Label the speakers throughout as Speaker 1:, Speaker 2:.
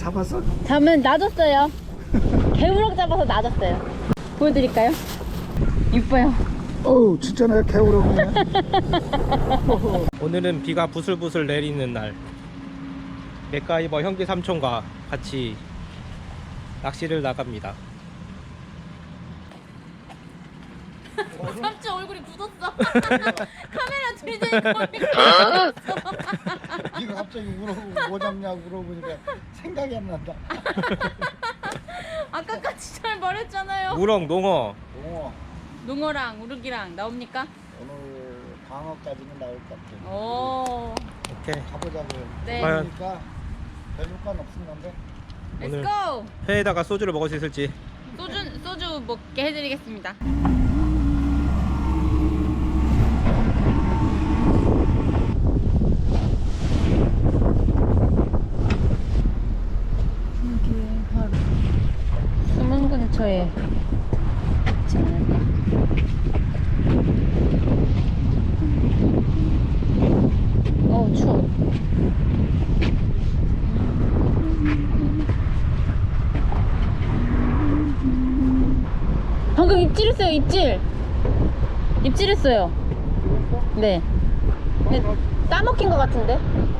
Speaker 1: 잡았어?
Speaker 2: 잠은 놔줬어요. 개우럭 잡아서 놔줬어요. 보여드릴까요? 이뻐요.
Speaker 1: 어우 진짜 내가 개우럭이네.
Speaker 3: 오늘은 비가 부슬부슬 내리는 날, 맥가이버 형제 삼촌과 같이 낚시를 나갑니다.
Speaker 2: 삼촌 얼굴이 굳었어. 카메라 들이대니까 얼굴이
Speaker 1: 이거 갑자기 물어보고 뭐 잡냐고 물어보니까 생각이 안 난다.
Speaker 2: 아까까지 잘 말했잖아요.
Speaker 3: 우럭, 농어.
Speaker 2: 농어랑 우럭이랑 나옵니까?
Speaker 1: 오늘 방어까지는 나올 것 같아.
Speaker 2: 오.
Speaker 3: 오케이.
Speaker 1: 가보자고요.
Speaker 2: 네.
Speaker 3: 과연
Speaker 1: 그러니까 별 효과는 없는 건데.
Speaker 2: Let's
Speaker 3: 오늘
Speaker 2: go.
Speaker 3: 회에다가 소주를 먹을 수 있을지.
Speaker 2: 소주 먹게 해드리겠습니다. 이게 바로 숨은 근처에 있지 않을까? 추워. 방금 입질했어요, 입질. 입질했어요. 네. 근데 따먹힌 것 같은데?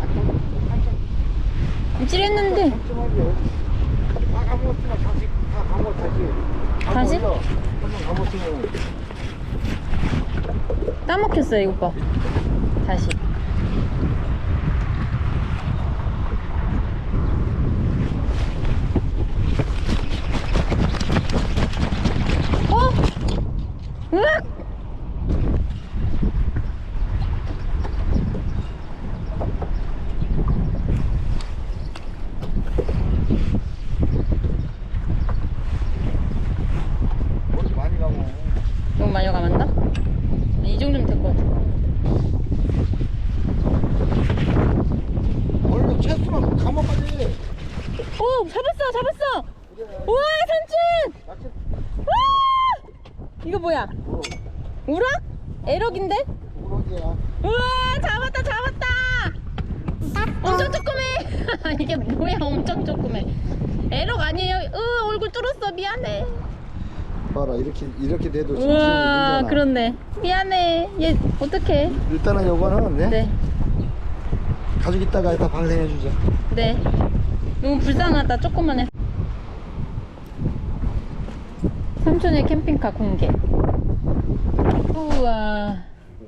Speaker 2: 입질했는데.
Speaker 1: 다 가먹었으면 다시 다 가먹었지.
Speaker 2: 다시?
Speaker 1: 한번 가먹었으면
Speaker 2: 따먹혔어요, 이거 봐. 다시. 어? 으악!
Speaker 1: 머리 많이 가고.
Speaker 2: 너무 많이 감았나? 이 정도면 될 것 같아.
Speaker 1: 원래 채수만 가먹 빨리.
Speaker 2: 오! 잡았어! 우와, 삼촌! 와! 이거 뭐야? 우럭? 에럭인데?
Speaker 1: 우럭이야.
Speaker 2: 우와, 잡았다! 엄청 조그매! 이게 뭐야, 엄청 조그매. 에럭 아니에요? 얼굴 뚫었어, 미안해.
Speaker 1: 봐라 이렇게 돼도 진짜
Speaker 2: 우와,
Speaker 1: 문제나.
Speaker 2: 그렇네. 미안해. 얘, 어떡해.
Speaker 1: 일단은 요거는 네?
Speaker 2: 네,
Speaker 1: 가지고 있다가 이따 발생해 주자.
Speaker 2: 네. 너무 불쌍하다, 조그만해. 삼촌의 캠핑카 공개. 우와.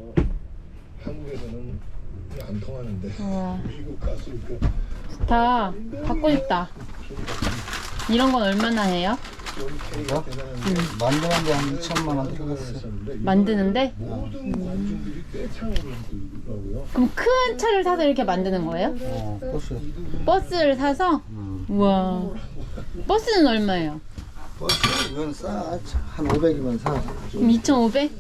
Speaker 4: 한국에서는 안 통하는데
Speaker 2: 우와.
Speaker 4: 미국 갔으니까
Speaker 2: 좋다. 갖고 싶다. 이런 건 얼마나 해요?
Speaker 1: 이거? 만드는데 한 2천만 원 들어갔어.
Speaker 2: 만드는데?
Speaker 4: 모든 관중들이 떼창을 하더라고요.
Speaker 2: 그럼 큰 차를 사서 이렇게 만드는 거예요?
Speaker 1: 버스.
Speaker 2: 버스를 사서? 우와. 버스는 얼마예요?
Speaker 1: 버스 이건 싸. 한 500이면 사.
Speaker 2: 그럼 2,500?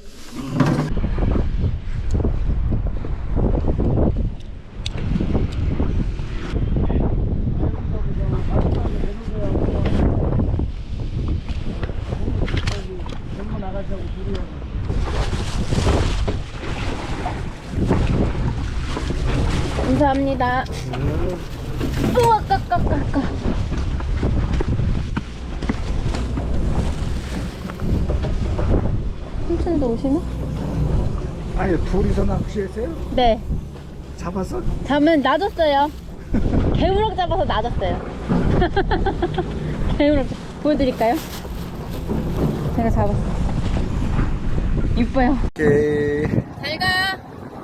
Speaker 2: 감사합니다. 우와, 까까까까. 삼촌도 오시나?
Speaker 1: 아니 둘이서 낚시했어요?
Speaker 2: 네.
Speaker 1: 잡았어?
Speaker 2: 잠은 놔줬어요. 개우럭 잡아서 놔줬어요. 개우럭 보여드릴까요? 제가 잡았어요. 이뻐요.
Speaker 1: 오케이.
Speaker 2: 잘 가.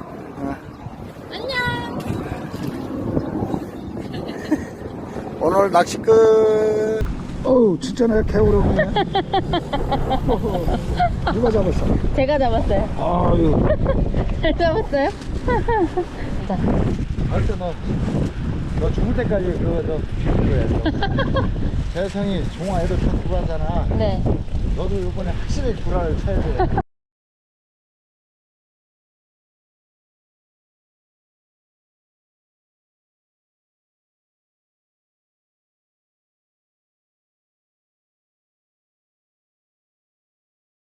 Speaker 2: 안녕.
Speaker 1: 오늘 낚시 끝. 어우 진짜 내가 개우럭이네. 누가 잡았어?
Speaker 2: 제가 잡았어요.
Speaker 1: 아유.
Speaker 2: 잘 잡았어요? 자.
Speaker 1: 알았어 너 죽을 때까지 그거 너 비밀로 해. 재성이 종아 애들 다 구하잖아.
Speaker 2: 네.
Speaker 1: 너도 이번에 확실히 구라를 쳐야 돼.